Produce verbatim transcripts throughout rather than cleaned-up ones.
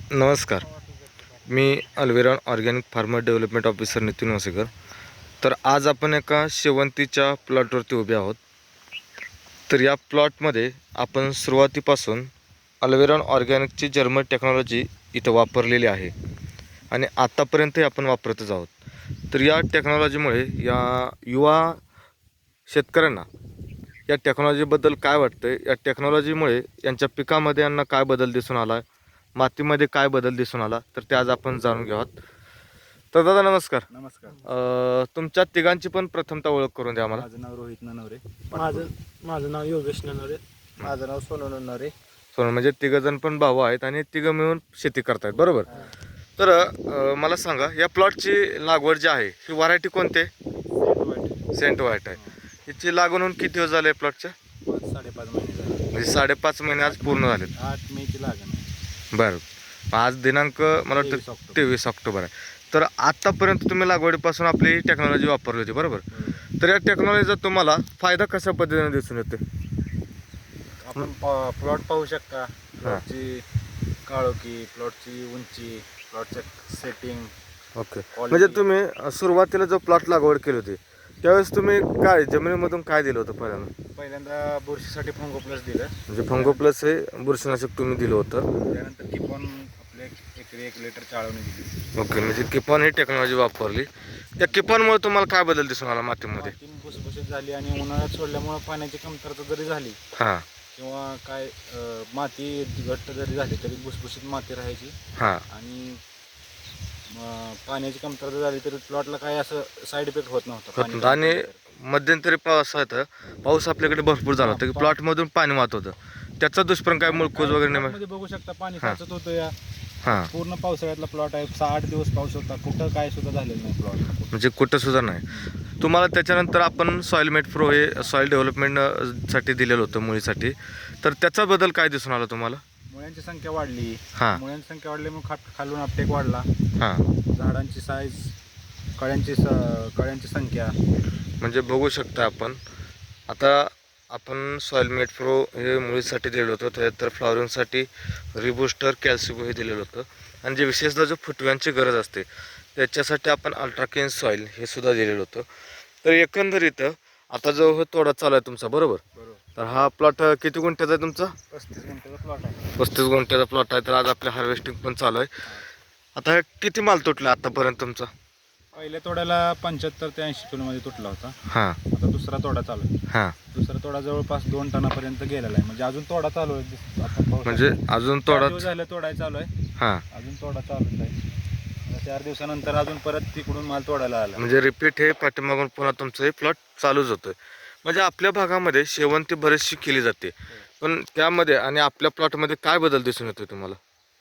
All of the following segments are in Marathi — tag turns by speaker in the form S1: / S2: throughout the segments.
S1: नमस्कार. मी Alviron organic farmer development officer Nitin Wasekar. तर आज आपण एका शेवंतीच्या प्लॉटवरती उभे आहोत. तर या प्लॉटमध्ये आपण सुरुवातीपासून अल्विरॉन ऑर्गॅनिकची जर्मन टेक्नॉलॉजी इथं वापरलेली आहे आणि आत्तापर्यंतही आपण वापरतच आहोत. तर या टेक्नॉलॉजीमुळे या युवा शेतकऱ्यांना या टेक्नॉलॉजीबद्दल काय वाटतं, या टेक्नॉलॉजीमुळे यांच्या पिकामध्ये यांना काय बदल दिसून आला, मातीमध्ये काय बदल दिसून आला, तर ते आज आपण जाणून घेऊ. तर दादा नमस्कार.
S2: नमस्कार.
S1: अ, तुमच्या तिघांची पण प्रथमतः ओळख करून द्या मला.
S2: माझं नाव रोहित ननवरे.
S3: माझं माझं नाव योगेश ननवरे.
S2: माझं नाव सोनू ननवरे.
S1: सोन म्हणजे तिघजण पण भाऊ आहेत आणि तिघं मिळून शेती करतायत, बरोबर. तर अ, मला सांगा, या प्लॉटची लागवड जी आहे ही व्हरायटी कोणते? सेंट व्हाईट आहे. हिची लागवड होऊन किती दिवस झाले प्लॉटच्या?
S2: पाच साडेपाच महिने झाले.
S1: म्हणजे साडेपाच महिने आज पूर्ण झालेत.
S2: आठ मेची लागण आहे.
S1: बरं. आज दिनांक मला
S2: तेवीस
S1: वाटतं
S2: ऑक्टोबर.
S1: तेवीस ऑक्टोबर आहे. तर आत्तापर्यंत तुम्ही लागवडीपासून आपली टेक्नॉलॉजी वापरली होती, बरोबर. तर या टेक्नॉलॉजीचा तुम्हाला फायदा कशा पद्धतीने दिसून येतो?
S2: आपण प्लॉट पाहू शकता. प्लॉटची काळोखी, प्लॉटची उंची, प्लॉटचं सेटिंग.
S1: ओके. म्हणजे तुम्ही अ, सुरुवातीला जो प्लॉट लागवड केली होती त्यावेळेस तुम्ही काय जमिनीमधून काय दिलं होतं पहिल्यांदा?
S2: पहिल्यांदा बुरशीसाठी फंगो प्लस दिलं.
S1: म्हणजे फंगो प्लस हे बुरशीनाशक तुम्ही दिलं होतं.
S2: त्यानंतर किपॉन आपले एकरी एक लिटर चाळवणी दिली.
S1: ओके. म्हणजे किपॉन ही टेक्नॉलॉजी वापरली. त्या किपॉनमुळे तुम्हाला काय बदल दिसून आला मातीमध्ये?
S2: माती भुसभुशीत झाली आणि उन्हाळ्यात सोडल्यामुळे पाण्याची कमतरता जरी झाली
S1: हां
S2: किंवा काय अं, माती घट्ट जरी झाली तरी भुसभुशीत माती राहायची.
S1: हां
S2: आणि अं, पाण्याची कमतरता झाली तरी प्लॉटला काही असं साईड इफेक्ट होत नव्हता. पाणी
S1: आणि मध्यंतरी पाऊस होता, पाऊस आपल्याकडे भरपूर झाला होता की प्लॉटमधून पाणी वाहत होतं. त्याचा दुष्परिणाम काय, मुळकूज वगैरे नाही?
S2: मध्ये बघू शकता पाणी साचत होतं. या
S1: हां.
S2: पूर्ण पावसाळ्यातला प्लॉट आहे. सहा आठ दिवस पाऊस होता, कुठं काय सुद्धा झालेलं नाही प्लॉट.
S1: म्हणजे कुठं सुद्धा नाही. तुम्हाला त्याच्यानंतर आपण सॉईल मेट प्रो हे सॉईल डेव्हलपमेंट साठी दिलेलं होतं मुळीसाठी. तर त्याचा बदल काय दिसून आला तुम्हाला?
S2: मुळ्यांची संख्या वाढली.
S1: हां
S2: मुळ्यांची संख्या वाढल्यामुळे खाट खालून अपटेक वाढला.
S1: हां.
S2: झाडांची साईज, कळ्यांची स कळ्यांची संख्या.
S1: म्हणजे बघू शकता आपण. आता आपण सॉईल मेट प्रो हे मुळीसाठी दिलेलं होतं, त्यानंतर फ्लॉवरिंगसाठी रिबूस्टर कॅल्सिबो हे दिलेलं होतं, आणि जे विशेषतः जो फुटव्यांची गरज असते त्याच्यासाठी आपण अल्ट्राकेन सॉईल हे सुद्धा दिलेलं होतं. तर एकंदरीत आता जो हो तोडा चालू आहे तुमचा, बरोबर. तर हा प्लॉट किती गुंठ्याचा आहे तुमचा?
S2: पस्तीस गुंठ्याचा प्लॉट आहे.
S1: पस्तीस गुंठ्याचा प्लॉट आहे. तर आज आपल्या हार्वेस्टिंग पण चालू आहे. आता हे किती माल तुटला आतापर्यंत तुमचा?
S2: पहिल्या तोड्याला पंच्याहत्तर ते ऐंशी किलोमध्ये तुटला होता.
S1: हां
S2: आता दुसरा तोडा चालू आहे.
S1: हां.
S2: दुसरा तोडा जवळपास दोन टनापर्यंत गेलेला आहे. म्हणजे अजून तोडा चालू आहे. दिस- आपण पाहू
S1: म्हणजे
S2: शकतो.
S1: अजून
S2: चार
S1: तोडा.
S2: दिवस झाले तोडाय चालू आहे.
S1: हां.
S2: अजून तोडा चालूच आहे. आता चार दिवसानंतर अजून परत तिकडून माल तोडायला आला.
S1: म्हणजे रिपीट हे पाठीमागून पुन्हा तुमचं हे प्लॉट चालूच होतोय. म्हणजे आपल्या भागामध्ये शेवंती बरीचशी केली जाते, पण त्यामध्ये आणि आपल्या प्लॉटमध्ये काय बदल दिसून येतोय तुम्हाला?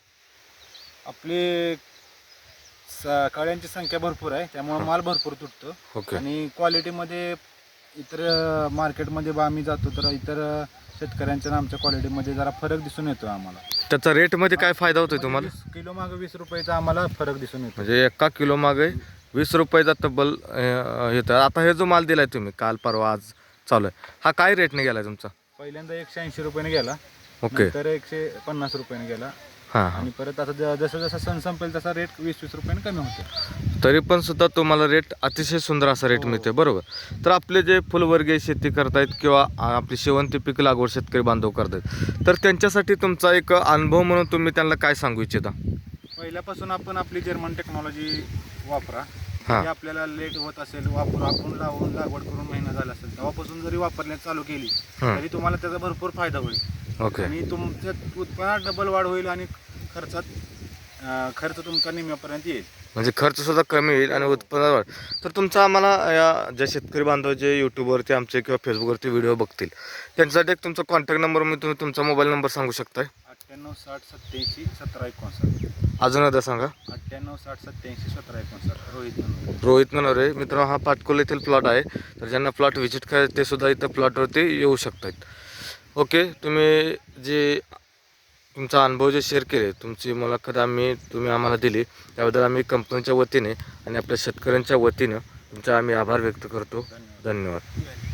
S2: आपली स- कळ्यांची संख्या भरपूर आहे, त्यामुळे माल भरपूर तुटतो.
S1: ओके.
S2: आणि क्वालिटीमध्ये इतर मार्केटमध्ये बा आम्ही जातो तर इतर शेतकऱ्यांच्या आणि आमच्या क्वालिटीमध्ये जरा फरक दिसून येतो आम्हाला.
S1: त्याचा रेटमध्ये काय फायदा होतोय तुम्हाला?
S2: वीस किलो मागे वीस रुपयाचा आम्हाला फरक दिसून येतो.
S1: म्हणजे एका किलो मागे वीस रुपयाचा तब्बल अं, येतं. आता हे जो माल दिलाय तुम्ही काल परवा आज चालू आहे, हा काय रेटने गेलाय तुमचा?
S2: पहिल्यांदा एकशे ऐंशी रुपयाने गेला.
S1: ओके.
S2: नंतर एकशे पन्नास रुपयाने गेला.
S1: हां हां.
S2: आणि परत आता ज- जसं जसं सण संपेल तसा रेट वीस वीस रुपयाने कमी होतो.
S1: तरी पण सुद्धा तुम्हाला रेट अतिशय सुंदर असा रेट
S2: हो.
S1: मिळते, बरोबर. तर आपले जे फुलवर्गीय शेती करतायत किंवा आपली शेवंती पीक लागवड शेतकरी बांधव करतायत, तर त्यांच्यासाठी तुमचा एक अनुभव म्हणून तुम्ही त्यांना काय सांगू इच्छिता?
S2: पहिल्यापासून आपण आपली जर्मन टेक्नॉलॉजी वापरा.
S1: हां.
S2: जरी आपल्याला लेट होत असेल, वापर आपण लावून लागवड करून महिना झाला असेल, तेव्हापासून जरी वापरण्यास चालू केली
S1: हं.
S2: तरी तुम्हाला त्याचा भरपूर फायदा होईल.
S1: ओके.
S2: आणि तुमच्या उत्पन्नात डबल वाढ होईल आणि खर्चात अं, खर्च तुमचा निम्म्यापर्यंत येईल.
S1: म्हणजे खर्च सुद्धा कमी होईल आणि उत्पन्न वाढ. तर तुमचा आम्हाला या ज्या शेतकरी बांधव जे यूट्यूबवरती आमचे किंवा फेसबुकवरती व्हिडिओ बघतील त्यांच्यासाठी एक तुमचा कॉन्टॅक्ट नंबर मी तुम्ही तुमचा मोबाईल नंबर सांगू शकताय?
S2: अठ्ठ्याण्णव साठ सत्याऐंशी सतरा एकोणसाठ.
S1: अजून एकदा सांगा.
S2: अठ्ठ्याण्णव साठ सत्याऐंशी सतरा एकोणसाठ. रोहित नंबर.
S1: रोहित ननवरे. मित्रांनो, हा पाटकोल येथील प्लॉट आहे. तर ज्यांना प्लॉट व्हिजिट करायचं ते सुद्धा इथं प्लॉटवरती येऊ शकतात. ओके. तुम्ही जे तुमचा अनुभव जे शेअर केले, तुमची मुलाखत आम्ही तुम्ही आम्हाला दिली, त्याबद्दल आम्ही कंपनीच्या वतीने आणि आपल्या शेतकऱ्यांच्या वतीनं तुमचा आम्ही आभार व्यक्त करतो. धन्यवाद.